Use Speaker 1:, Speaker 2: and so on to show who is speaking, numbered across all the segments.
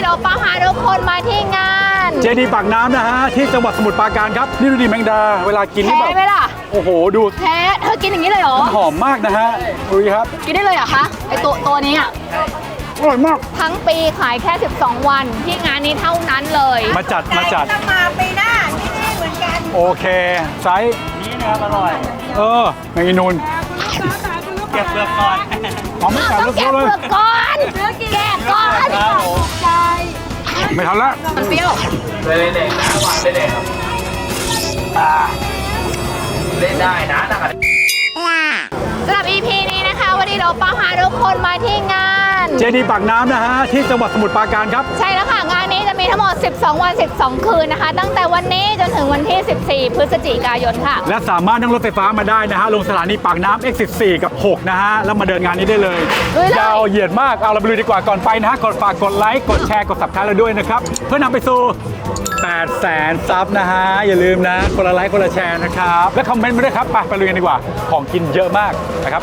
Speaker 1: เราพาทุกคนมาที่งาน
Speaker 2: เจดีย์ปากน้ำนะฮะที่จังหวัดสมุทรปราการครับนี่ดูดิแมงดาเวลากินนี่แบบ
Speaker 1: แท้ไหมล่ะ
Speaker 2: โอ้โหดู
Speaker 1: แท้เธอกินอย่างนี้เลยเหรอ
Speaker 2: หอมมากนะฮะดูดิครับ
Speaker 1: กินได้เลยเหรอคะไอตัวนี้อ่ะ
Speaker 2: อร่อยมาก
Speaker 1: ทั้งปีขายแค่12วันที่งานนี้เท่านั้นเลย
Speaker 2: มาจัด
Speaker 3: ต้องมาปีหน้าที่นี่เหมือนกัน
Speaker 2: โอเคไซส์นี้นะครับอร่อยแมงอีนูนเก็บเปลือกก่อนหอมไม่กัดลูกเลย
Speaker 1: เก็บเปลือกก่อนแกะก่อนใช่
Speaker 2: ไม่ทันละ
Speaker 1: มันเปรี้ยว
Speaker 4: เลยเด็กนะหวานเด็กเล่นได้นะนะครับ
Speaker 1: สำหรับ EP นี้นะคะวันนี้เราพาทุกคนมาที่งาน
Speaker 2: เจดีย์ปากน้ำนะฮะที่จังหวัดสมุทรปราการครับ
Speaker 1: ใช่แล้วค่ะงานนี้จะมีทั้งหมด12วัน12คืนนะคะตั้งแต่วันนี้จนถึงวันที่14พฤศจิกายนค่ะ
Speaker 2: และสามารถนั่งรถไฟฟ้ามาได้นะฮะลงสถานีปากน้ำ X14 กับ6นะฮะแล้วมาเดินงานนี้ได้เลยยาวเหยียดมากเอาเราไปดูดีกว่าก่อนไปนะฮะฝากกดไลค์กดแชร์กด Subscribe เราด้วยนะครับเพื่อนำไปสู่800,000 ซับนะฮะอย่าลืมนะคนละไลค์คนละแชร์นะครับและคอมเมนต์มาด้วยครับไปลุยกันดีกว่าของกินเยอะมากนะครับ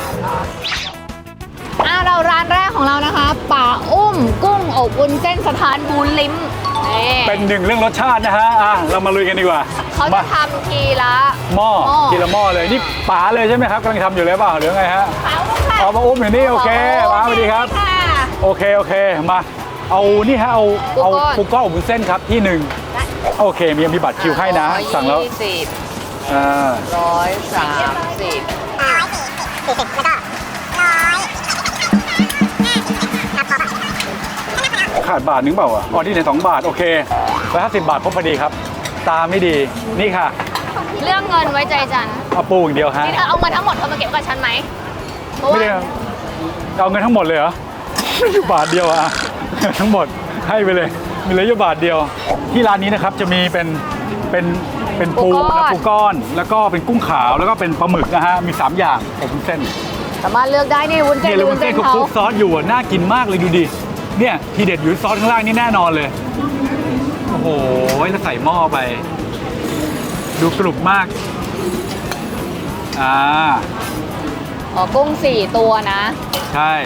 Speaker 1: เราร้านแรกของเรานะคะป่าอุ้มกุ้งอบวุ้นเส้นสถานบูนลิ้ม
Speaker 2: เป็นหนึ่งเรื่องรสชาตินะฮะเรามาลุยกันดีกว่า
Speaker 1: เขาจะทำทีละ
Speaker 2: หม้อทีละหม้อเลยนี่ป๋าเลยใช่ไหมครับกำลังทำอยู่เลยเปล่าหรือไงฮะเอามาอุ้มอยู่นี่โอเคมาสวัสดีครับโอเคมาเอานี่ฮะเอาปูก้อนอบวุ้นเส้นครับที่หนึ่งโอเคมีบัตรคิวให้นะสั่งแล้วขาดบาทนึงเปล่าอ๋อที่ไหน2 บาทโอเค150 บาทพอดีครับตาไม่ดีนี่ค่ะ
Speaker 1: เรื่องเงินไว้ใจจัน
Speaker 2: เอาปูอย่างเดียวฮะ
Speaker 1: นี่เธอเอาเงินทั้งหมดเธอมาเก็บกับฉันไหม
Speaker 2: ไม่ได้เอาเงินทั้งหมดเลยเหรอ อยู่บาทเดียวทั้งหมดให้ไปเลยมีเหลืออยู่บาทเดียวที่ร้านนี้นะครับจะมีเป็นปูนะปูก้อนแล้วก็เป็นกุ้งขาวแล้วก็เป็นปลาหมึกนะฮะมี3อย่างอบวุ้นเส้น
Speaker 1: สามารถเลือกได้นี่วุ้นเส้น
Speaker 2: วุ้นเส้นคลุกซอสอยู่น่ากินมากเลยดูดิเนี่ยทีเด็ดอยู่ซอสข้างล่างนี่แน่นอนเลยโอ้โหแล้วใส่หม้อไปดูกรุบมาก
Speaker 1: กุ้ง4 ตัวนะ
Speaker 2: ใช่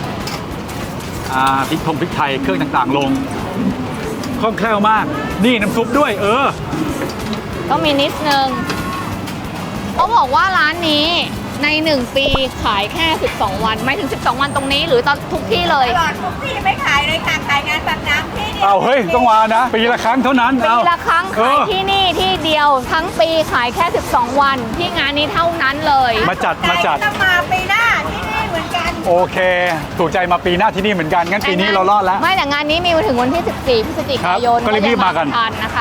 Speaker 2: พริกไทยเครื่องต่างๆลงคล่องแคล่วมากนี่น้ำซุปด้วย
Speaker 1: ก็มีนิดนึงเขาบอกว่าร้านนี้ใน1 ปีขายแค่12วันไม่ถึง12วันตรงนี้หรือตอนทุกที่เลย
Speaker 3: ตลอดทุกที่ไม่ขายเลยค่ะขายงานปากน้ำที่นี่
Speaker 2: เฮ้ยต้องมานะปีละครั้งเท่านั้น
Speaker 1: ปีละครั้งขายที่นี่ที่เดียวทั้งปีขายแค่12วันที่งานนี้เท่านั้นเลย
Speaker 2: มาจัด
Speaker 3: ต้องมาปีหน้าที่นี่เหมือนกัน
Speaker 2: โอเคถูกใจมาปีหน้าที่นี่เหมือนกันงั้นปีนี้เรารอดแล้ว
Speaker 1: ไม่แต่งานนี้มีถึงวันที่14พฤศจิกายน
Speaker 2: ก็รีบมากัน
Speaker 1: นะคะ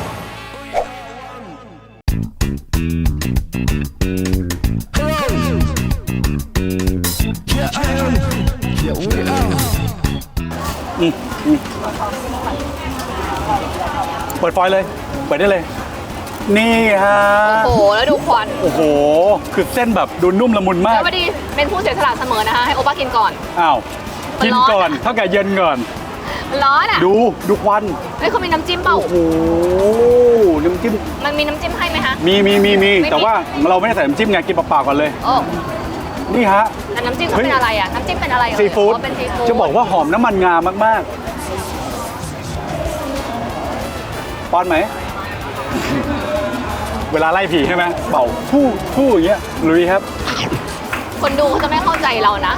Speaker 2: เปิดไฟเลยเปิดได้เลยนี่ฮะ
Speaker 1: โอ้โหแล้วดูควัน
Speaker 2: โอ้โหคือเส้นแบบดูนุ่มละมุนมาก
Speaker 1: แล้วพอดีเป็นผู้เสียสละเสมอนะคะให้โอป้ากินก่อน
Speaker 2: กินก่อนเท่าแก่เย็นก่อน
Speaker 1: ร้อน
Speaker 2: ดูควัน
Speaker 1: เขามีน้ำจิ้มเปล่า
Speaker 2: โอ้โหน้ำจิ้ม
Speaker 1: มันมีน้ำจิ้มให้ไหมคะ
Speaker 2: มีแต่ว่าเราไม่ได้ใส่น้ำจิ้มไงกินเปล่าๆก่อนเลยนี่ฮะ
Speaker 1: แต่น้ำจิ้มเขาเป็นอะไรน้ำจิ้มเป็นอะไร
Speaker 2: ซีฟู้ดจะบอกว่าหอมน้ำมันงามากๆป้อนไหมเวลาไล่ผีใช่ไหมเป่าฟู่อย่างเงี้ยลุยครับ
Speaker 1: คนดูเขาจะไม่เข้าใจเรานะ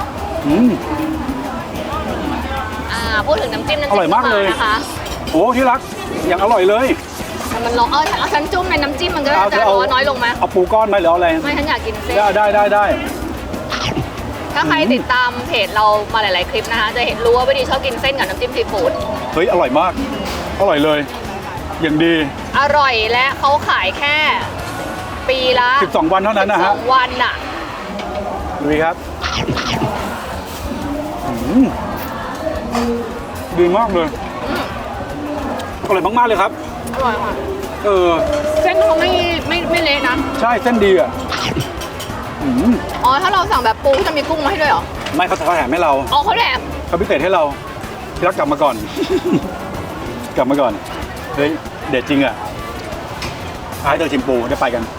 Speaker 1: พูดถึงน้ำจิ้ม
Speaker 2: อร่อยมากเลยนะคะโอ้ที่รักอย่างอร่อยเลย
Speaker 1: มันร้อนเอาฉันจุ่มในน้ำจิ้มมันก็จะร้อนน้อยลงไหม
Speaker 2: เอาปูก้อนไหมหรือเอาอะไร
Speaker 1: ไม่ฉันอยากกินเส้น
Speaker 2: ได้
Speaker 1: ถ้าใครติดตามเพจเรามาหลายๆคลิปนะคะจะเห็นรู้ว่าวิดีชอบกินเส้นกับน้ำจิ้มซีฟู้ด
Speaker 2: เฮ้ยอร่อยมากอร่อยเลยอย่างดี
Speaker 1: อร่อยและเขาขายแค่ปีละ
Speaker 2: 12 วันเท่านั้นนะฮะ
Speaker 1: 12 วันน่ะ
Speaker 2: ดูครับดีมากเลยอร่อยมากๆเลยครับ
Speaker 1: อร่อยค่ะเส้นเขาไม่เละนะ
Speaker 2: ใช่เส้นดี
Speaker 1: ถ้าเราสั่งแบบปูจะมีกุ้งมาให้ด้วยเหรอ
Speaker 2: ไม่เขาแถมให้เรา
Speaker 1: เขาแถม
Speaker 2: เขาพิเศษให้เราพี่รักกลับมาก่อนเฮ้ยเด็ดจริงให้เธอชิมปูได้ไปกัน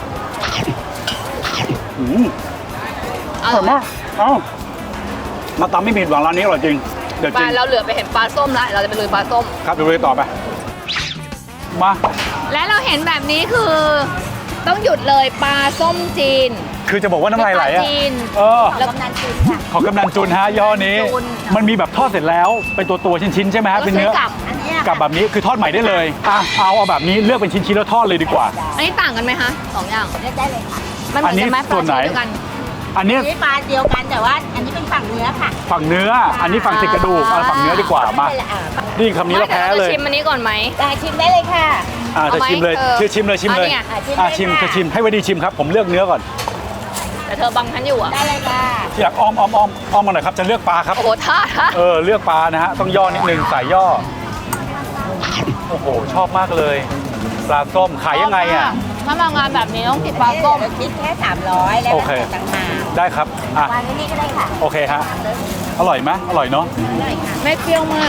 Speaker 2: อร่อยมากมาตำไม่ผิดหวังร้านนี้อร่อยจริงเดี๋ยว
Speaker 1: ไป
Speaker 2: จริง
Speaker 1: เราเหลือไปเห็นปลาส้มแล้วเราจะไปลุยปลาส้ม
Speaker 2: ครับดูเลยต่อไปมา
Speaker 1: และเราเห็นแบบนี้คือ ต้องหยุดเลยปลาส้มจีน
Speaker 2: คือจะบอกว่าน้ำลายไหล
Speaker 1: ป
Speaker 2: อ่ะ
Speaker 1: จีน
Speaker 2: เออ
Speaker 1: แล้ว
Speaker 3: กำนันจีนค่ะ
Speaker 2: ของกำนันจุนฮะย่ห้อนี้
Speaker 1: จุน
Speaker 2: มันมีแบบทอดเสร็จแล้วเป็นตัวชิ้นๆใช่ไหมฮะเป็นเนื้อ
Speaker 1: ใช้กับ
Speaker 3: อันเนี้ย
Speaker 2: กับแบบนี้คือทอดใหม่ได้เลยอ่ะเอาแบบนี้เลือกเป็นชิ้นๆแล้วทอดเลยดีกว่า
Speaker 1: อันนี้ต่างกันไหมคะสองอย่าง
Speaker 3: เลือกได้เลยค่ะ
Speaker 1: มันเหมือนกันไหม
Speaker 2: อันนี้
Speaker 1: ป
Speaker 2: ส่
Speaker 1: ลา
Speaker 2: วนไหน
Speaker 1: ชนิดเดียวกัน
Speaker 2: อันนี้
Speaker 3: อันนี้ปลาเดียวกันแต่ว่าอันนี้เป็นฝั่งเนื้อค่ะ
Speaker 2: ฝั่งเนื้อ อันนี้ฝั่งติดกระดูกเอาฝั่งเนื้อดีกว่ามา
Speaker 3: ได้เลยอ่ะ
Speaker 2: นี่คำนี้เราแพ้เลย
Speaker 1: ชิมอันนี้ก่อนไหม
Speaker 3: ได้ชิมได้เลยค่ะ
Speaker 2: เธอชิมเลย
Speaker 1: เอาไหม
Speaker 2: เธอชิมเลยชิมเลย
Speaker 1: อันนี้ไง
Speaker 2: ชิมเธอชิมให้ไว้ดีชิมครับผมเลือกเนื้อก่อน
Speaker 1: แต่เธอบังฉันอยู่อ่ะ
Speaker 3: ได้เลยค่ะ
Speaker 2: ที่อยากอ้อมมาหน่อยครับจะเลือกปลาครับ
Speaker 1: โอ้โหท่า
Speaker 2: เลือกปลานะฮะต้องย่อนิดนึงสายย่อโอ้โหชอบมากเลย ปลาส้มขายยังไงอ่ะ
Speaker 1: ถ้ามางานแบบนี้ต้องกินปลาส้ม
Speaker 3: เดี๋ยวคิดแค่300แล้ว
Speaker 2: โอ
Speaker 3: ก็
Speaker 2: เค
Speaker 3: ต่างหาก
Speaker 2: ได้ครับอ่ะ
Speaker 3: วางไว้นี่ก็ได้ค่ะ
Speaker 2: โอเคฮะอร่อยไหมอร่อยเนาะ
Speaker 3: ได้ค่ะ
Speaker 1: ไม่เปรี้ยวมาก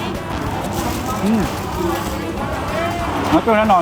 Speaker 2: งั้นก็แน่นอน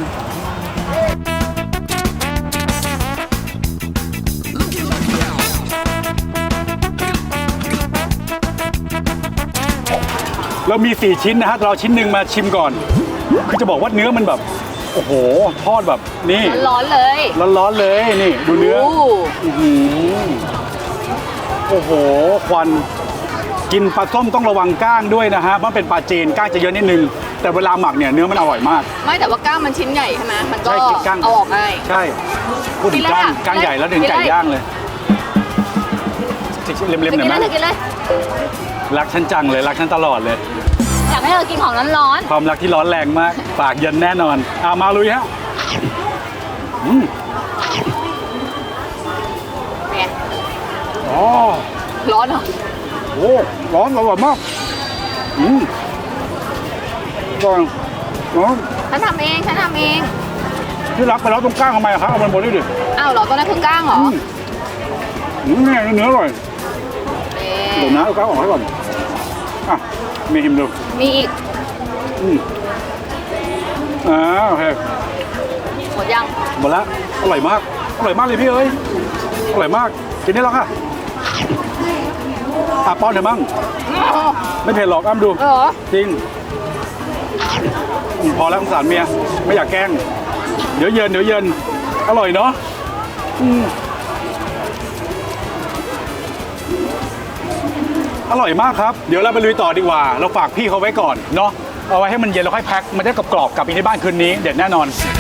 Speaker 2: เรามี4ชิ้นนะฮะเราชิ้นหนึ่งมาชิมก่อน คือจะบอกว่าเนื้อมันแบบ โอ้โห ทอดแบบนี่
Speaker 1: ร้อนๆเลย
Speaker 2: ร้อนๆเลยนี่ดูเนื้อ
Speaker 1: โ
Speaker 2: อื้อหือโอ้โห ควันกินปลาส้มต้องระวังก้างด้วยนะฮะเพราะเป็นปลาจีนก้างจะเยอะนิดนึง แต่เวลาหมักเนี่ยเนื้อมันอร่อยมาก
Speaker 1: ไม่แต่ว่าก้างมันชิ้นใหญ่ใช่ไหมมันก็
Speaker 2: ใช่กินก้าง
Speaker 1: เอาออกง่าย
Speaker 2: ใช่พูดถึงก้าง
Speaker 1: กินเลยอะ
Speaker 2: ก้างใหญ่แล้วถึง
Speaker 1: กินเลย
Speaker 2: ไก่ย่างเลยเล็มๆห
Speaker 1: กิ
Speaker 2: น่อย
Speaker 1: น
Speaker 2: ไหม
Speaker 1: เลยกินเลย
Speaker 2: รักฉันจังเลยรักฉันตลอดเลย
Speaker 1: อยากให้เธอกินของร้อน
Speaker 2: ความรักที่ร้อนแรงมากปากเย็นแน่นอนมาลุยฮะอืม
Speaker 1: ๆเนี่ย
Speaker 2: อ๋อ
Speaker 1: ร้อนเหรอ
Speaker 2: โอ้ร้อนอร่อยมากก่อนร้อน
Speaker 1: ฉันทำเอง
Speaker 2: ที่รักไปแล้วตรงก้างทำไมอะครับเอามันบนด้วยดิ
Speaker 1: อ้าวเหรอตัวนั้นคือก้างเหรอ
Speaker 2: แน่เนื้ออร่อย
Speaker 1: นี่
Speaker 2: เดี๋ยวนะเอาก้างออกให้ก่อนอ่ะมีหิมดู
Speaker 1: มีอีก
Speaker 2: โอเค
Speaker 1: หมดยัง
Speaker 2: หมดแล้วอร่อยมากเลยพี่เอ้ยอร่อยมากกินได้แล้วค่ะป้อนเถอะมั่งไม่เผ็ดหรอกอ้ำดู
Speaker 1: เหรอ
Speaker 2: จริงพอแล้วสงสารเมียไม่อยากแกล้งเดี๋ยวเย็นอร่อยเนาะอร่อยมากครับเดี๋ยวเราไปลุยต่อดีกว่าเราฝากพี่เขาไว้ก่อนเนาะเอาไว้ให้มันเย็นแล้วค่อยแพ็คมันจะกรอบๆกลับไปที่บ้านคืนนี้เด็ดแน่นอน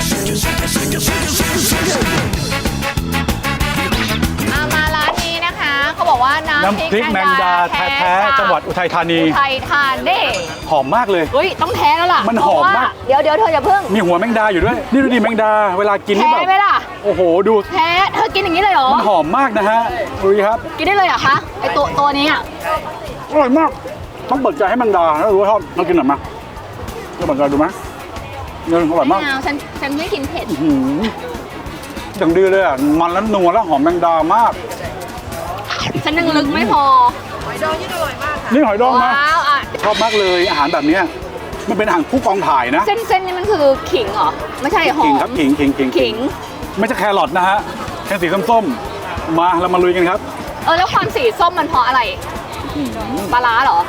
Speaker 1: มาร้านนี้นะคะเขาบอกว่าน้ำ
Speaker 2: น้ำพริกแมงดาแท้ๆจังหวัดอุทัยธานี
Speaker 1: อุทัยธานี
Speaker 2: หอมมากเลย
Speaker 1: เฮ้ยต้องแท้แล้วล่ะ
Speaker 2: มันหอมมาก
Speaker 1: เพระว่เดี๋ยวเธออย่าเพิ่ง
Speaker 2: มีหัวแมงดาอยู่ด้วยนี่ดูดิแมงดาเวลากินนี่
Speaker 1: แท้
Speaker 2: แบบ
Speaker 1: ไหมล่ะ
Speaker 2: โอ้โหดู
Speaker 1: แท้เธอกินอย่างนี้เลยเหรอ
Speaker 2: มันหอมมากนะฮะดูดิครับ
Speaker 1: กินได้เลยเหรอคะไอตัวนี้อ่ะ
Speaker 2: อร่อยมากต้องเปิดใจให้แมงดาแล้วรู้ว่าชอบเรากินหน่อยมั้ยเราเปิดใจดูมั้ยเนี่ยอร่อยมาก
Speaker 1: ไม่เอาฉันไม่กินเผ็ด
Speaker 2: หืมอย่างดีเลยอ่ะมันแล้วนัวแล้วหอมแมงดามาก
Speaker 1: ฉันยังลึกไม่พอ
Speaker 2: นี่หอยดองนะ
Speaker 1: ว้าวอ่ะ
Speaker 2: ชอบมากเลยอาหารแบบเนี้ยมันเป็นอาหารคู่กองถ่ายนะ
Speaker 1: เส้นนี่มันคือขิงเหรอไม่ใช่หอ
Speaker 2: ขิง
Speaker 1: ม
Speaker 2: ครับขิง
Speaker 1: ขิง
Speaker 2: ไม่ใช่แครอทนะฮะแค่สีส้มๆมาเรามาลุยกันครับ
Speaker 1: แล้วความสีส้มมันเพราะอะไรปลาร้าเหรอ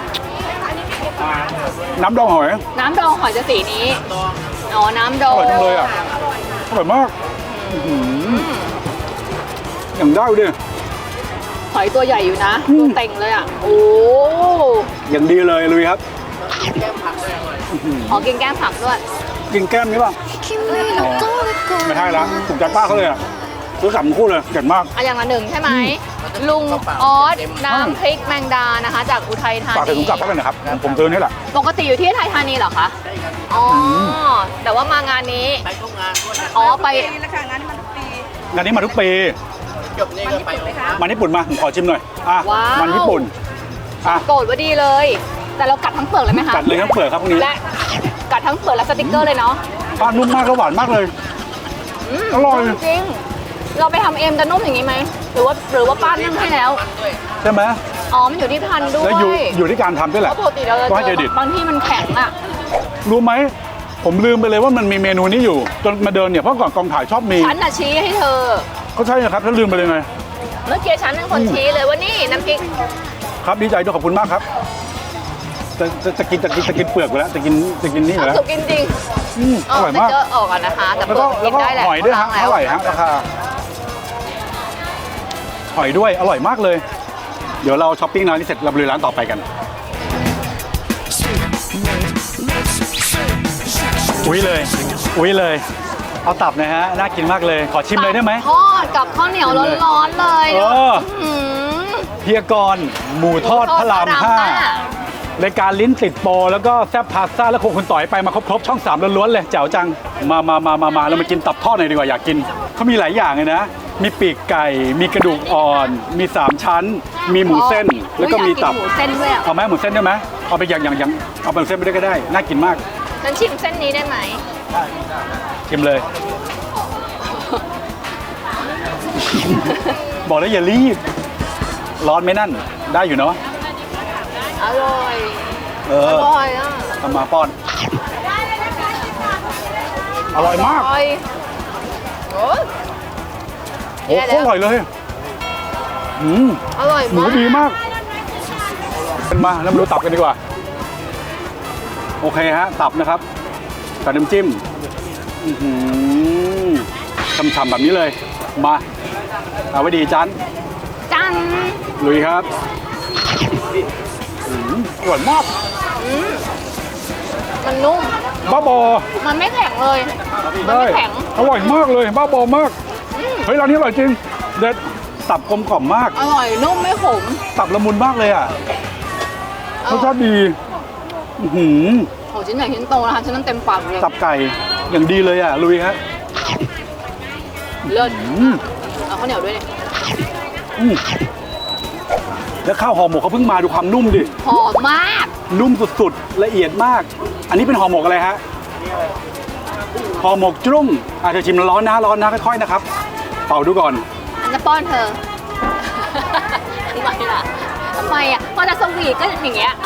Speaker 2: น้ำดองหอย
Speaker 1: น้ำดองหอยจะสีนี้อ๋อน้ำด
Speaker 2: อ
Speaker 1: อง
Speaker 2: ร่อยจังเลยอ่ะอร่อยมากอย่างได้ดิ
Speaker 1: หอยตัวใหญ่อยู่นะตัวเต็งเลยอ่ะโอ้
Speaker 2: อย่างดีเลยลุยครับ
Speaker 1: อ๋อกินแก้มผักด้วย
Speaker 2: กินแก้มนี้ป่ะไม่ใช่ละถูกใจป้าเขาเลยอ่ะซื้อสามคู่เลยเก่งมาก
Speaker 1: อ่ะอย่างละหนึ่งใช่ไหมลุงออสน้ำพริกแมงดานะคะ จากอุทัยธา
Speaker 2: ฝากใส่ถุ
Speaker 1: นี
Speaker 2: งกลับเข้าไปหนะครับผมซื้อนี่แหละ
Speaker 1: ปกติอยู่ที่อุทัยธานีเหรอคะอ๋อแต่ว่ามางานนี้อ๋อไป
Speaker 3: ปีละค่ะงานนี้มันทุกปี
Speaker 2: งานนี้มาทุกปี
Speaker 4: จบนี่ก็ไป
Speaker 3: ไหมคะ
Speaker 2: มันญี่ปุ่นมาผมขอชิมหน่อยมันญี่ปุ่น
Speaker 1: โกรธว่าดีเลย แต่เรากัดทั้งเปลือกเลยไหมคะ
Speaker 2: กัดเลยทั้งเปลือกครับพวกนี้
Speaker 1: และกัดทั้งเปลือกและสติกเกอร์เลยเนาะ
Speaker 2: นุ่มมากแล้วหวานมากเลย อร่อย
Speaker 1: จริงเราไปทำเองจะนุ่มอย่างนี้ไหมหรือว่าป้านึ่งให้แล้ว
Speaker 2: ใช่ไหม
Speaker 1: อ๋อมันอยู่ที่พันธุ์ด้ว
Speaker 2: แล้วอยู่
Speaker 1: ย
Speaker 2: ที่การทำด้วยแห
Speaker 1: เพ
Speaker 2: ละ
Speaker 1: ราะปกติเราจะ
Speaker 2: ต้องให้
Speaker 1: เจ
Speaker 2: เคร
Speaker 1: อ
Speaker 2: ดิต
Speaker 1: บางที่มันแข็งอ่ะ
Speaker 2: รู้ไหมผมลืมไปเลยว่ามันมีเมนูนี้อยู่ จนมาเดินเนี่ยเพราะก่อนกองถ่ายชอบมี
Speaker 1: ฉันน่ะชี้ให้เธอ
Speaker 2: ก็ใช่นะครับถ้าลืมไปเลยไง
Speaker 1: เมื่อกี้ฉันเป็นคนชี้เลยว่านี่น้ำพริก
Speaker 2: ครับดีใจด้วยขอบคุณมากครับจะกินเปลือกไปแล้วจะกินนี่อยู่แล้ว
Speaker 1: สุกกินจริง
Speaker 2: อร่อยมาก
Speaker 1: เจอออกกันนะคะ แต่
Speaker 2: แล้ว
Speaker 1: เปลื
Speaker 2: ก็
Speaker 1: อกกินได้แหละ
Speaker 2: หอยด้วยฮะ
Speaker 1: ล้าง
Speaker 2: เท่าไหร่ฮะราคาหอยด้วยอร่อยมากเลย เดี๋ยวเราช้อปปิ้งร้านนี้เสร็จเราไปร้านต่อไปกันอุ้ยเลยเอาตับนะฮะน่ากินมากเลยขอชิมเลยได้ไหม
Speaker 1: ทอดกับข้าวเหนียวร้อนๆเลย
Speaker 2: เออ
Speaker 1: หืม
Speaker 2: เฮียกรหมูทอดพระรามห้ารายการลิ้นติดโปรแล้วก็แซ่บพาสต้าแล้วคงคุณต่อยไปมาครบช่อง3ล้วนๆเลยแจ๋วจังมาเรามากินตับทอดหน่อยดีกว่าอยากกินเขามีหลายอย่างเลยนะมีปีกไก่มีกระดูกอ่อนมี3ชั้น มีหมูเส้นแล้วก็มีตับ
Speaker 1: หมูเส้นด้วยอะ
Speaker 2: เอาไหมหมูเส้นได้ไหมเอาไปอย่างเอาเป็นเส้นไปด้วยก็ได้น่ากินมาก
Speaker 1: ฉันชิมเส้นนี้ได้ไหม
Speaker 2: ชิมเลย บอกแล้วอย่ารีบร้อนไหมนั่นได้อยู่เนาะ
Speaker 1: อร่อย
Speaker 2: เอ
Speaker 1: อ
Speaker 2: อ
Speaker 1: ร่อยอ่ะ
Speaker 2: ทำมาป้อน อร่อยมาก
Speaker 1: อร่อยโอ้ย
Speaker 2: โอ้โหอร่อยเลยอืม
Speaker 1: อร่อย
Speaker 2: หมู
Speaker 1: มาก
Speaker 2: ดีมากเป็นมาแล้วมาดูตับกันดีกว่า โอเคฮะ ตับนะครับกับน้ำจิ้มฉ่ำๆแบบนี้เลย มาเอาไว้ดีจัน
Speaker 1: จัง
Speaker 2: ลุยครับอร่อยมาก
Speaker 1: มันนุ่ม
Speaker 2: บ้าบอ
Speaker 1: มันไม่แข็งเลย มัน
Speaker 2: ได้
Speaker 1: ไม่แข็ง
Speaker 2: อร่อยมากเลย บ้าบอมาก เฮ้ยร้านนี้อร่อยจริง เด็ดตับกลมกล่อมมาก
Speaker 1: อร่อยนุ่มไม่ขม
Speaker 2: ตับละมุนมากเลยอ่ะรสชาติดีอื้อหือ
Speaker 1: โหชิ้นใหญ่ชิ้นโตนะคะชิ้นนั้นเต็มปากเลย
Speaker 2: ตับไก่อย่างดีเลยอ่ะลุยครับ
Speaker 1: เลิศ
Speaker 2: อืม
Speaker 1: เอาข้าวเหนียวด้วยดิ
Speaker 2: อืมแล้วข้าวห่อหมกเขาเพิ่งมาดูความนุ่มดิ
Speaker 1: หอมมาก
Speaker 2: นุ่มสุดๆละเอียดมาก อันนี้เป็นห่อหมกอะไรฮะห่อหมกจุ้งอาจจะชิมร้อนนะค่อยๆนะครับเป่าดูก่อน
Speaker 1: อันจะป้อนเธอ ทำไมล่ะทำไมอ่ะพอจะสวีทก็อย่างเงี้ย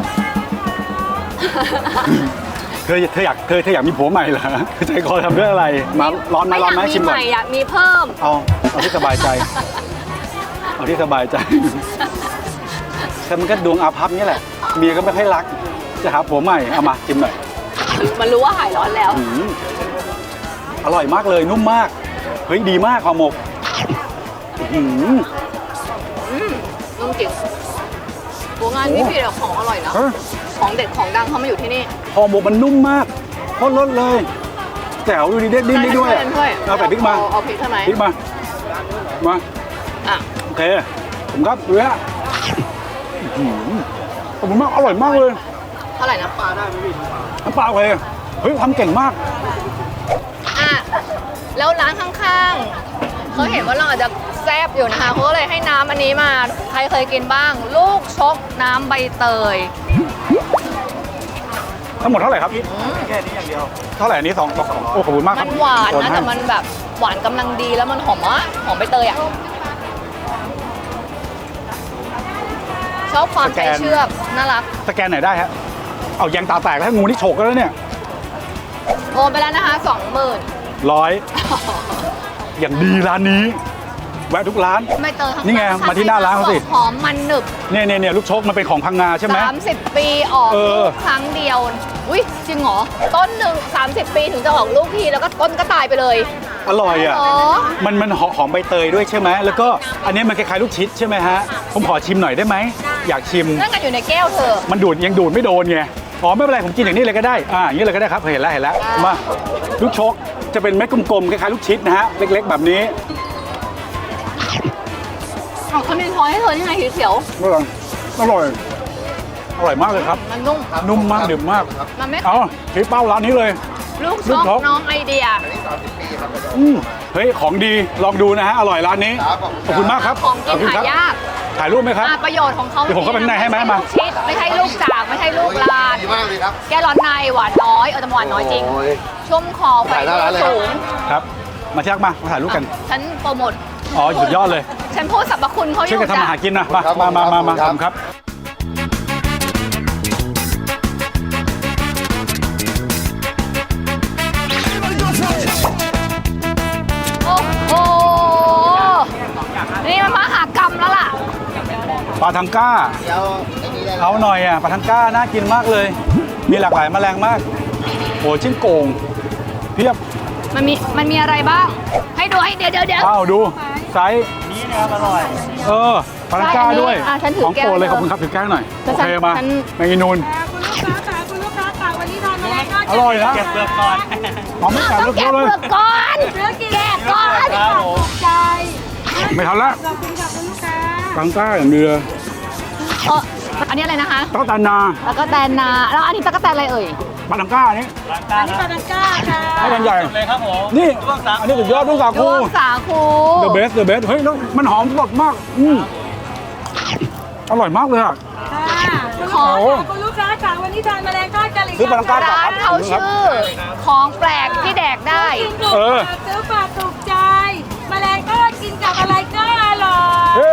Speaker 2: เธออยากมีผัวใหม่เหรอใจคอทำด้วยอะไรมาร้อนไหม
Speaker 1: ไม่
Speaker 2: ร้
Speaker 1: อ
Speaker 2: อน
Speaker 1: ยาก
Speaker 2: ไหม
Speaker 1: มี
Speaker 2: ชิม
Speaker 1: ให
Speaker 2: ก่อน
Speaker 1: ม่อยากมีเพิ่ม
Speaker 2: เอาที่สบายใจ เอาที่สบายใจแต่มันก็ดวงอาภัพนี่แหละเมียก็ไม่ค่อยรักจะหาผัวใหม่เอามาชิมหน่อย
Speaker 1: มันรู้ว่าหายร้อนแล้ว
Speaker 2: อืมอร่อยมากเลยนุ่มมากเฮ้ยดีมากห่อหมกอื้อหือ
Speaker 1: นุ่มจริงโหงานนี้พี่แต่ของอร่อยนะ
Speaker 2: เฮ้ย
Speaker 1: ของเด็ดของดังเขามาอยู่ที่นี่
Speaker 2: ห่อหมกมันนุ่มมากโคตรรสเลยแจ๋วดูดิเด็ดดิ้นได้ด้วยอะ
Speaker 1: ช่วย
Speaker 2: เอาแต่พริกมา
Speaker 1: เอาพริกใช่ไหม
Speaker 2: พริกมามา
Speaker 1: อ่ะ
Speaker 2: โอเคผมครับดูฮะขอบคุณมากอร่อยมากเลย
Speaker 1: เท่าไหร่นะ
Speaker 2: น้ำปลาเลยเฮ้ยทำเก่งมาก
Speaker 1: อ่ะแล้วร้านข้างๆเขาเห็นว่าเราอาจจะแซ่บอยู่นะคะเขาก็เลยให้น้ำอันนี้มาใครเคยกินบ้าง ลูกชกน้ำใบเตย
Speaker 2: ทั้งหมดเท่าไหร่ครับแค่นี้อย่างเดียวเท่าไหร่อันนี้สองโอ้ขอบคุณมากค
Speaker 1: มั
Speaker 2: รับ
Speaker 1: นหวาน
Speaker 2: โอ
Speaker 1: นะ
Speaker 2: ให้
Speaker 1: แต่มันแบบหวานกำลังดีแล้วมันหอมมากหอมใบเตยอ่ะชอบความใจเชือกน่ารัก
Speaker 2: สแกนไหนได้ฮะเอายางตาแตกแล้วงูนี่ฉกแล้วเนี่ย
Speaker 1: โอนไปแล้วนะคะ 20,000
Speaker 2: 100อย่างดีร้านนี้ แวะทุกร้าน
Speaker 1: ใบเตยข้าง
Speaker 2: นี่ไงมาที่หน้าร้านเขาสิ
Speaker 1: หอมมันหนึบ
Speaker 2: เนี่ยลูกชกมันเป็นของพังงาใช่ไหม
Speaker 1: 30 ปีออก
Speaker 2: เออ
Speaker 1: ลูกครั้งเดียวอุ้ยจริงเหรอต้นหนึ่ง30 ปีถึงจะออกลูกทีแล้วก็ต้นก็ตายไปเลย
Speaker 2: อร่อยอ่ะ
Speaker 1: อ๋อ
Speaker 2: มันหอมใบเตยด้วยใช่ไหมแล้วก็อันนี้มันคล้ายๆลูกชิดใช่ไหมฮะผมขอชิมหน่อยได้ไหมอยากชิม
Speaker 1: นั่นกันอยู่ในแก้วเธอ
Speaker 2: มันดูดยังดูดไม่โดนไงอ๋อไม่เป็นไรผมกินอย่างนี้เลยก็ได้อย่างนี้เลยก็ได้ครับเห็นแล้วมาลูกชกจะเป็นเม็ดกลมๆคล้ายๆลูกชิดนะฮะเล็กๆแบบนี้
Speaker 1: เอาเขามีช้อยให้เธอที่ไงเขียว
Speaker 2: อร่อยมากเลยครับ
Speaker 1: มันนุ่ม
Speaker 2: นุ่มมากดื่มมาก
Speaker 1: มันไม่
Speaker 2: เอาชี้เป้าร้านนี้เลย
Speaker 1: ลูก
Speaker 2: ลู
Speaker 1: ช
Speaker 2: ก
Speaker 1: ก
Speaker 2: ชก
Speaker 1: น้องไอเดีย
Speaker 2: เฮ้ยของดีลองดูนะฮะอร่อยร้านนี้ขอบคุณมากครับ
Speaker 1: ของกิน
Speaker 2: ขบคุณ
Speaker 1: หา
Speaker 2: ครับ
Speaker 1: ยาก
Speaker 2: ถ่ายรูปไหมครับ
Speaker 1: ประโยชน์ของเขา
Speaker 2: เดี๋ยวผมเข้าไปข้างในให้ไหมมา
Speaker 1: ลูกชิดไม่ใช่ลูกจากไม่ใช่ลูกลาน
Speaker 5: ดีมากเลยครับ
Speaker 1: แก้ร้อนในหวานน้อยแต่หวานน้อยจริง
Speaker 5: โอ้ย
Speaker 1: ชุ่มคอไฟ
Speaker 5: ถ่ายหน้าร้านเลยครับ
Speaker 1: สูง
Speaker 2: ครับมาเช็คมาถ่ายรูปกัน
Speaker 1: ฉันโปรโมท
Speaker 2: อ๋อสุดยอดเลย
Speaker 1: ฉันพูดสรรพคุณเขาอ
Speaker 2: ช่วย
Speaker 1: ยู่
Speaker 2: กันทำ
Speaker 1: จ้ะ
Speaker 2: อาหารกินนะมา
Speaker 5: ครับ
Speaker 2: มา
Speaker 5: ครับ
Speaker 2: ครับ
Speaker 1: โอ้โหนี่มันมหากรรมแล้วล่ะ
Speaker 2: ปลาทังก้า
Speaker 5: เดี๋ยวไอ้นี่
Speaker 2: เอาหน่อยอ่ะปลาทังก้าน่ากินมากเลย มีหลากหลายแมลงมากโอ้ชิ้นโก่งเพียบ
Speaker 1: มันมีอะไรบ้าง ให้ดูให้เดี๋ยว
Speaker 2: อ้าวดูไซส์นี้นะครับอร่อยปลาทังก้าด้วย
Speaker 1: ฉันถือ
Speaker 2: ของ
Speaker 1: แก้ว
Speaker 2: โปรดเลยขอบคุณครับถือแก้วหน่อย
Speaker 1: ฉั
Speaker 2: โอน เคมา
Speaker 1: ฉัน
Speaker 2: แมงอีนูน
Speaker 3: คุณลูกค้าค่ะวันนี้ทานแมลงทอด
Speaker 2: อร่อยนะเก็บเปลือกก่อนหอมไม่แข็ง
Speaker 1: ต้อง
Speaker 2: เย
Speaker 1: แกะ
Speaker 2: อะเล
Speaker 1: เป
Speaker 2: ย
Speaker 1: ลือกก่อนแกะก่อน
Speaker 3: ใจ
Speaker 2: ไม่ทันละ
Speaker 3: ขอบคุณค่ะคุณลูกค้า
Speaker 2: ปลาทังก้าอย่างเดียว
Speaker 1: อันนี้อะไรนะคะ
Speaker 2: ต้องตานา
Speaker 1: ตะกแตนนาแล้วอันนี้ตะกแตนอะไรเอ่ย
Speaker 2: ปลาทังก้านี่
Speaker 3: อันนี้ปลาดังก้าค่ะ
Speaker 2: ให้กันใหญ่เลยครับผมนี่อันนี้สุดยอดลูกสา
Speaker 1: ด
Speaker 2: คู
Speaker 1: วงสาคู
Speaker 2: the best เฮ้ยแล้วมันหอมสดมากอร่อยมากเลยอ่ะ
Speaker 3: คุณลูกค้าค่ะวันนี้ทานแมลงทอดกันหรือ
Speaker 2: ซื้อปลาทังก้า
Speaker 1: ร้านเขาชื่อ ของแปลกที่แดกได้
Speaker 3: กินถูกปากซื้อฝากถูกใจแมลงทอดกินกับอะไรก็อร่อย
Speaker 2: เฮ้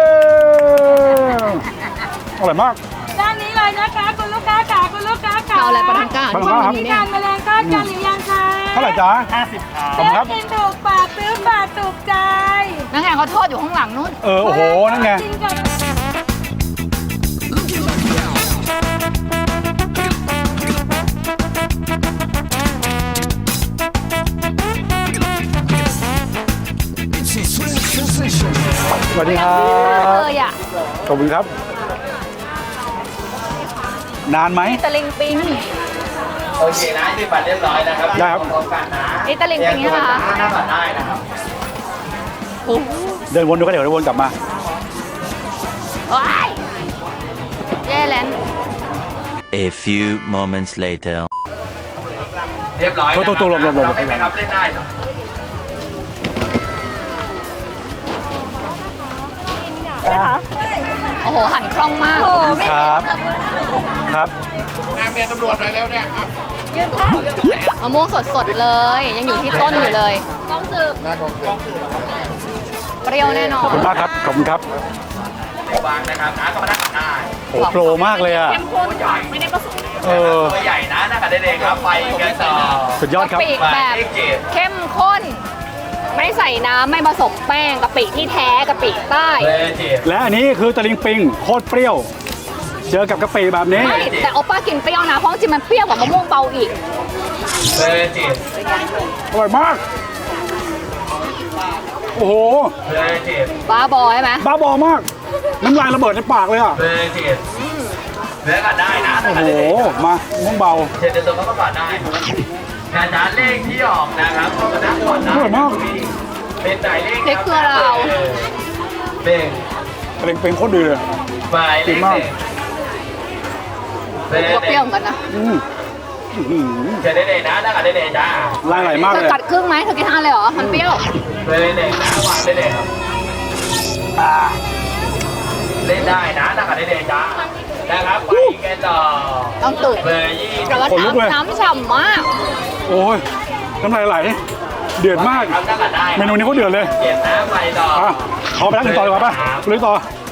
Speaker 2: อร่อยมาก
Speaker 3: ด้านนี้เลยนะคะคุณลูกค้าค่ะคุณลูกค้าค่ะ
Speaker 1: เอาอะไรปลาทังก้า
Speaker 2: ปลาทังก้าครับ
Speaker 3: วันนี้ทานแมลงทอดกันหรือยังคะ
Speaker 2: เท่าไหร่จ๊ะ50ครับขอบคุณครับ
Speaker 3: กินถูกปากซื้อฝากถูกใจ
Speaker 1: นักงานเขาทอดอยู่ข้างหลังนู้น
Speaker 2: โอ้โหนั่นไง
Speaker 3: กินกับ
Speaker 2: สวัสดีครับ
Speaker 1: เลยอ่ะ
Speaker 2: ขอบคุณครับ นานไหม
Speaker 1: ตะลิงปิง
Speaker 4: โอเคนะที่บัตรเรียบร้อยนะครับ
Speaker 2: ได้ครับ
Speaker 4: พร้อมกันนะ
Speaker 1: นี่ตะลิงปิงนี่นะคะ
Speaker 4: หน้าบัตรได้นะครับ
Speaker 2: เดินวนดูก็เดี๋ยวเดินวนกลับมา
Speaker 1: ว้ายแย่แล้ว
Speaker 5: A few moments later.
Speaker 4: เรียบร้อย
Speaker 2: ตัวหลบ
Speaker 4: ให้ไหมครับเล่นได้เหรอ
Speaker 1: โอ้โห หันคล่องมาก
Speaker 2: ครับ ครับ
Speaker 1: มะม่วงสดๆเลย ยังอยู่ที่ต้นอยู่เลยเปรี้ยวแน่นอ
Speaker 2: ขอบ
Speaker 1: น
Speaker 2: คุณมากครับ ขอบคุณครับ
Speaker 4: วางนะครับนะก็มานั่งกันได้
Speaker 2: โอ้โปรมากเลยอ่ะ
Speaker 4: ตัวใหญ่ ตัวใหญ่นะนั่งกันได้เลยครับไปกันต่อ
Speaker 2: สุดยอดครับ
Speaker 1: กะปิแบบเข้มข้น ไม่ใส่น้ำไม่ผสมแป้งกะปิที่แท้กะปิใต้
Speaker 4: เลยจีบ
Speaker 2: และอันนี้คือตะลิงปิงโคตรเปรี้ยว เจอกับกะปิแบบนี้
Speaker 1: ไม่แต่โอป้ากินเปรี้ยวนะ เพราะจริงมันเปรี้ยวกว่ามะม่วงเบาอีก
Speaker 4: เลยจีบ
Speaker 2: อร่อยมาก โอ้โห
Speaker 4: เลยจีบ
Speaker 1: บ้าบอใช่ไหม
Speaker 2: บ้าบอมาก น้ำลายระเบิดในปากเลยอ่ะ
Speaker 4: เลยจีบเนื้อกันได้นะ
Speaker 2: โอ้โห มาม่วงเบา
Speaker 4: เช็ดตัวก็ก่อนได้นะจ๊ะเลขที่ออกนะครับก็มานั่งก่อนนะ
Speaker 2: อร่อยมาก
Speaker 4: เป็นไหนเลข
Speaker 1: เล็กเกลือเรา
Speaker 4: หนึ่ง
Speaker 2: ตะลิงปิงโคตรดีเลย
Speaker 4: หมายเลขหนึ่ง
Speaker 1: ก็เปรี้ยวเหมือนกันนะ
Speaker 2: อืมอื้อหือ
Speaker 4: เช็ดได้เลยนะนั่งกันได้เลยจ้า
Speaker 2: ลายไหลมาก
Speaker 1: เธ
Speaker 2: เล
Speaker 1: อย กัดครึ่งไหมเธอกินทั้งอันเลยเหรอ มันเปรี้ยว
Speaker 4: เลยเลยนะวางได้เลยครับเล่นได้นะนั่งกันได้เลยจ้านะครับไปกันต่อ
Speaker 1: ต้องตื่น
Speaker 4: เบอร์20
Speaker 1: แต่ว่าน้ำฉ่ำมาก
Speaker 2: โอ้ย น้ำลายไหล เดือดมาก
Speaker 4: ครับนั่งกันได้
Speaker 2: เมนูนี้เขาเดือดเลย
Speaker 4: เก็บนะไปต่อ
Speaker 2: อ่ะขอไปนั่งกันต่อดีกว่าป่ะลุยต่อ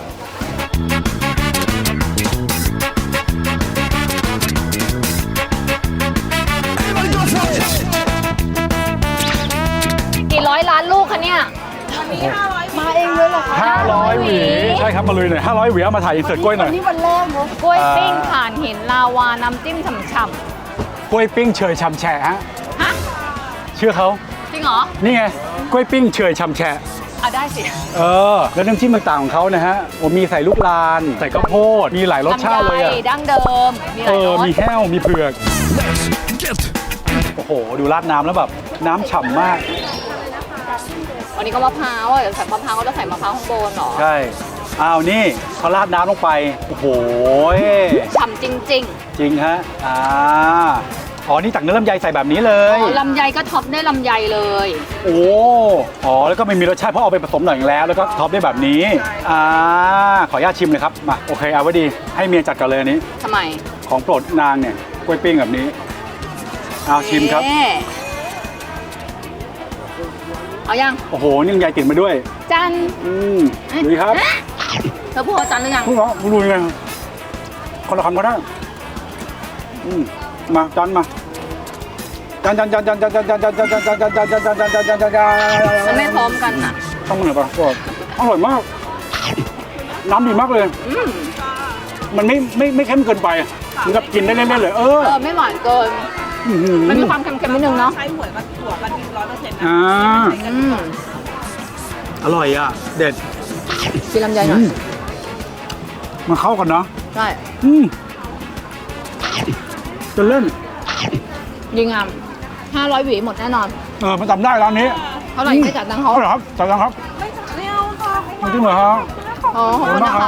Speaker 1: กี่ร้อยล้านลูกคะเนี่ย มาเองเลยเหรอคะ
Speaker 2: 500 หวี ใช่ครับ มาลุยหน่อย 500 หวี เอามาถ่ายอินเสิร์ตกล้วยหน่อย
Speaker 1: กล้วยปิ้งถ่านหินลาวา น้ำจิ้มฉ่ำ
Speaker 2: กล้วยปิ้งเฉยชำแฉะฮะ
Speaker 1: ๆฮะ
Speaker 2: เชื่อเขา
Speaker 1: จริงเหรอ
Speaker 2: นี่ไง กล้วยปิ้งเฉยชำแฉะ
Speaker 1: เอาได้สิ
Speaker 2: แล้วน้ำจิ้มต่างๆของเขานะฮะโอ้มีใส่ลูกลาน ใส่ข้าวโพด มีหลายรสชาติเลย
Speaker 1: ลำ
Speaker 2: อ่ะ
Speaker 1: ไดั้งเดิม มีหลายรส
Speaker 2: มีแห้ว มีเผือก โอ้โห ดูราดน้ำแล้วแบบ น้ำฉ่ำมาก
Speaker 1: วันนี้ก็มะพร้าวอ่ะเดี๋ยวใส่มะพร้าวก็จะใส่มะพร้าวข้างบนเหรอ
Speaker 2: ใช่ อ้าวนี่เขาราดน้ำลงไป โอ้โห
Speaker 1: ฉ่ำจริง
Speaker 2: จริงฮะ อ๋อ นี่ตักเนื้อลำไยใส่แบบนี้เล
Speaker 1: ๆ
Speaker 2: ย
Speaker 1: อ๋อลำไยก็ท็อปด้วยลำไยเลย
Speaker 2: โอ้ อ๋อ แล้วก็ไม่มีรสชาติเพราะเอาไปผสมหน่อยแล้ว แล้วก็ท็อปด้วยแบบนี้ ขออนุญาตชิมเลยครับ มา โอเค เอาไว้ดี ให้เมียจัดก่อนเลยอันนี้
Speaker 1: ทำไม
Speaker 2: ของโปรดนางเนี่ย กล้วยปิ้งแบบนี้ เอาชิมครับ
Speaker 1: เอ๊ะเอายัง
Speaker 2: โอ้โห นี่ลำไยติดมาด้วย
Speaker 1: จัน
Speaker 2: ดูดิครับ
Speaker 1: เธอพูดว่าจันหรือยัง
Speaker 2: คุณเหรอคุณดูยังไงคนละคำก็ได้มาจานมาจาน
Speaker 1: มันไม่พร้อมกันอ่ะ
Speaker 2: ต้องมันเหรอปะอร่อยมาก น้ำดีมากเลย
Speaker 1: อืม
Speaker 2: มันไม่เข้มเกินไปมันกับกินได้เล่นๆเลย
Speaker 1: ไม่หวานเกิน มันมีความเค็มๆนิดนึงเนาะ
Speaker 3: ใช้หวยมันถั่วมัน100%นะ
Speaker 2: อร่อยอ่ะเด็ด
Speaker 1: กินลำไยหน่อย
Speaker 2: มันเข้ากันเนาะ
Speaker 1: ใช่
Speaker 2: จะเล่น
Speaker 1: ดีงาม500 หวีหมดแน่นอน
Speaker 2: มันจำได้ร้านนี้
Speaker 1: เท่าไหร่ไม่จ่ายตังค์เขา
Speaker 2: เอาเหรอครับจ่ายตังค์ครับ
Speaker 3: ไม่เอาค่ะ
Speaker 2: จริงเหรอครับ
Speaker 1: อ๋อขอบคุณนะคะ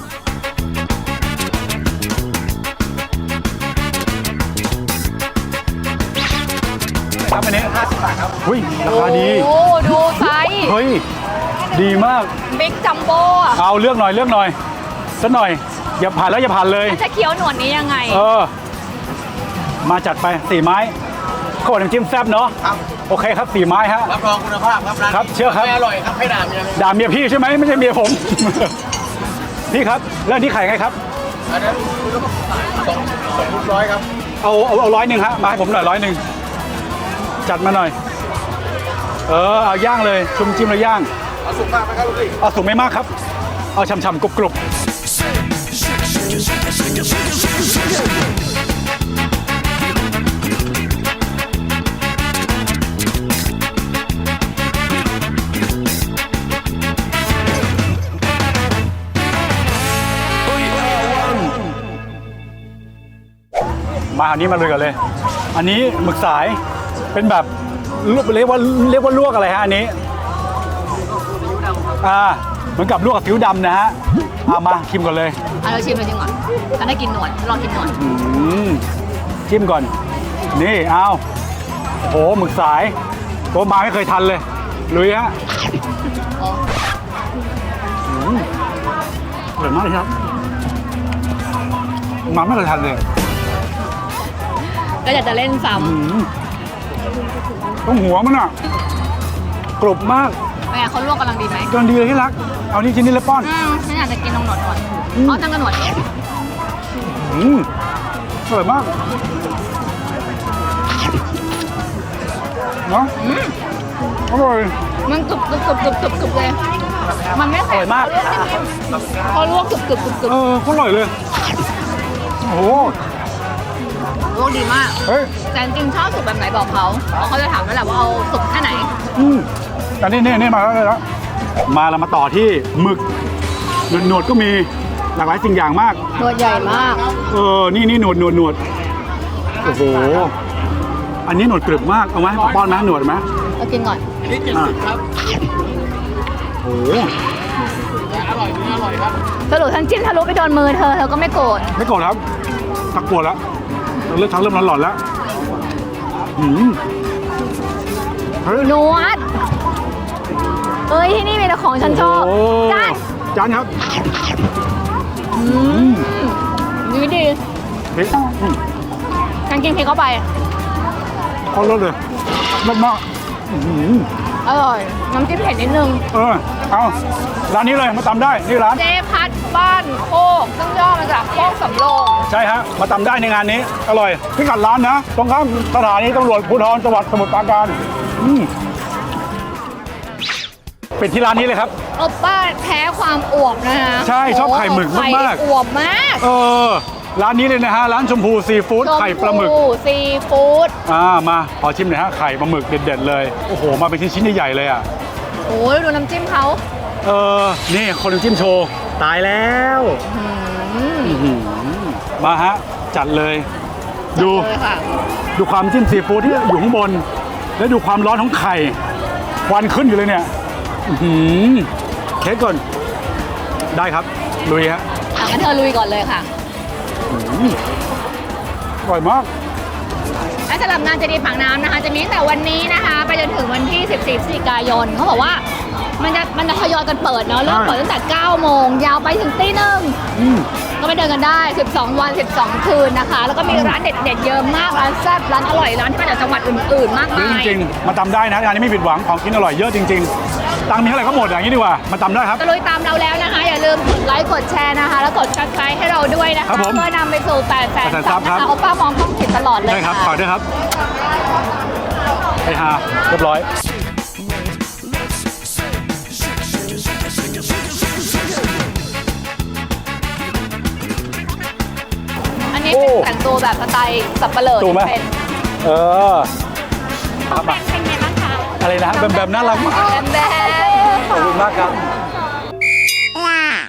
Speaker 2: ครับอันนี้50 บาทครับหุ้ยราคาดี
Speaker 1: โอ้ดูไซส์
Speaker 2: เฮ้ยดีมาก
Speaker 1: บิ๊กจัมโบ้อะ
Speaker 2: เอาเลือกหน่อยสักหน่อยอย่าผ่านแล้วอย่าผ่านเลย
Speaker 1: จะเคี้ยวหนวดนี้ยังไง
Speaker 2: มาจัดไป4 ไม้ข้าวน้ำจิ้มแซ่บเนาะโอเคครับ4 ไม้ฮะ
Speaker 4: รับรองคุณภาพครับร้าน
Speaker 2: ครับเชื่อครับ
Speaker 4: ไม่อร่อยครับให้ด่าเมีย
Speaker 2: ด่าเมียพี่ใช่ไหมไม่ใช่เมียผม พี่ครับแล้วนี่ขายไงครับ
Speaker 4: อันนั้นคุณต้อง200ครับ
Speaker 2: เอา100ฮะมาให้ผมหน่อย100จัดมาหน่อยเอาย่างเลยชุ่มจิ้มแล้วย่าง
Speaker 4: เอาสุกมากไหมครับลูกพี่
Speaker 2: เอาสุกไม่มากครับเอาฉ่ำๆกรุบมาอันนี้มาเลยกันเลย อันนี้หมึกสายเป็นแบบเรียกว่าลวกอะไรฮะอันนี้เหมือนกับลวกกับผิวดำนะฮะมาชิมก่อนเลย
Speaker 1: เราชิมก่อนฉันได้กินหนวดลองกินหนวด
Speaker 2: ชิมก่อนนี่เอาโหหมึกสายโกมาไม่เคยทันเลยลุยฮะอร่อยมากเลยครับมาไม่เคยทันเลย
Speaker 1: ก็อยากจะเล่นซ้
Speaker 2: ต้องหัวมันอ่ะกรุบมาก
Speaker 1: ำแม่เขาลวกกำลังดีไหม
Speaker 2: กำลังดีเลยที่รักเอานี่ชิ้นนี้เลยป้อน
Speaker 1: ฉันอยากจะกินตรงหนวดเอาตั้งกระหนวดเอง
Speaker 2: อร่อยมากเนาะอร่อย
Speaker 1: มันกรึบเลย มันไม่แข็ง
Speaker 2: อร่อยมาก
Speaker 1: เขาลวกกรึบ
Speaker 2: อร่อยเลยโอ้โห
Speaker 1: ลวกดีมาก
Speaker 2: เฮ้ย
Speaker 1: แต่จริงๆชอบสุกแบบไหนบอกเขาเพราะเขาจะถามนั่นแหละว่าเอาสุกแค่ไหน
Speaker 2: แต่นี่มาแล้วมาเรามาต่อที่หมึกหนวดก็มีหลากหลายสิ่งอย่างมาก
Speaker 1: หนวดใหญ่มาก
Speaker 2: นี่หนวดโอ้โหอันนี้หนวดกรึบมากเอาไหมป้อนไหมหนวดไหม
Speaker 1: เรากินก่อน
Speaker 4: อันนี้70ครับ
Speaker 2: โอ้โห
Speaker 4: อร่อยนี่อร่อยครับ
Speaker 1: สรุปฉันจิ้มทะลุไปโดนมือเธอก็ไม่โกรธ
Speaker 2: ไม่โกรธครับตักปวดแล้วเริ่มหลอนๆแล้วเฮ้ย
Speaker 1: หนวดเอ้ยที่นี่มีแต่ของฉันชอบ
Speaker 2: โอ้
Speaker 1: จาน
Speaker 2: ครับ
Speaker 1: ดีดี
Speaker 2: เฮ้ย
Speaker 1: ฉันกินพริกเข้าไป
Speaker 2: เขาลดเลยลดมาก
Speaker 1: อร่อย น้ำจิ้มเผ็ดนิดนึง
Speaker 2: เอาร้านนี้เลยมาตำได้นี่ร้าน
Speaker 1: เจ๊พัดบ้านโคกซึ่งย่อมาจากโคกสำโรง
Speaker 2: ใช่ฮะมาตำได้ในงานนี้อร่อยพิกัดร้านนะตรงข้ามสถานีตำรวจภูธรจังหวัดสมุทรปราการเป็นที่ร้านนี้เลยครับ
Speaker 1: โอป้าแพ้ความอวบนะคะ
Speaker 2: ใช่ชอบไข่หมึกมากๆ
Speaker 1: ไข่อวบมาก
Speaker 2: ร้านนี้เลยนะฮะร้านชมพูซีฟู้ดไข่ปลาหมึก
Speaker 1: ชพูซีฟู้ด
Speaker 2: มาขอชิมหน่อยฮะไข่ปลาหมึกเด็ดๆเลยโอ้โหมาเป็นชิ้นๆใหญ่ๆเลยอ่ะ
Speaker 1: โอ้ยดูน้ำจิ้มเขา
Speaker 2: นี่คนน้ำจิ้มโชว์ตายแล้วมาฮะจัดเลย ดู
Speaker 1: เลยค่ะ
Speaker 2: ดูความจิ้มซีฟู้ดที่อยู่ข้างบน แล้วดูความร้อนของไข่ควันขึ้นอยู่เลยเนี่ยเค้กก่อนได้ครับลุยฮะ
Speaker 1: งั้นเธอลุยก่อนเลยค่ะ
Speaker 2: อร่อยมาก
Speaker 1: และสำหรับงานเจดีย์ปากน้ำนะคะ จะมีตั้งแต่วันนี้นะคะ ไปจนถึงวันที่ 14 พฤศจิกายนเขาบอกว่ามันจะทยอยกันเปิดเนาะเริ่มเปิดตั้งแต่ 9 โมงยาวไปถึงตี 1 ก็ไปเดินกันได้ 12 วัน 12 คืนนะคะ แล้วก็มีร้านเด็ดๆเยอะมากร้านแซ่บร้านอร่อยร้านที่มาจากจังหวัดอื่นๆมาก
Speaker 2: เยอะ
Speaker 1: มาย
Speaker 2: จริงๆมาตำได้นะงานนี้ไม่ผิดหวังของกินอร่อยเยอะจริงๆตังค์มีเท่าไหร่ก็หมดอย่างนี้ดีกว่ามาตำได้ครับ
Speaker 1: ตะลุยตามเราแล้วนะคะ อย่าลืมกดไลค์กดแชร์นะคะ แล้วกด subscribe ให้เราด้วยนะ
Speaker 2: ครั
Speaker 1: คะ
Speaker 2: บผม
Speaker 1: เพื่อนำไปสู่800,000
Speaker 2: 800,000
Speaker 1: ซับนะคะโอป้ามองกล้องผิดตลอดเลย
Speaker 2: ได้ครับ
Speaker 1: ค่ะ
Speaker 2: ฝากด้วยครับไปหาเรียบร้อย
Speaker 1: นี้เป็นแต่งตัวแบบสไตล์สับปะเหร่อ
Speaker 2: ถูกไหม
Speaker 1: เป็น
Speaker 2: เออ
Speaker 1: น้องแบมเป็นไงบ้างคะ
Speaker 2: อะไรนะแบมแบมน่ารักมาก
Speaker 1: แบม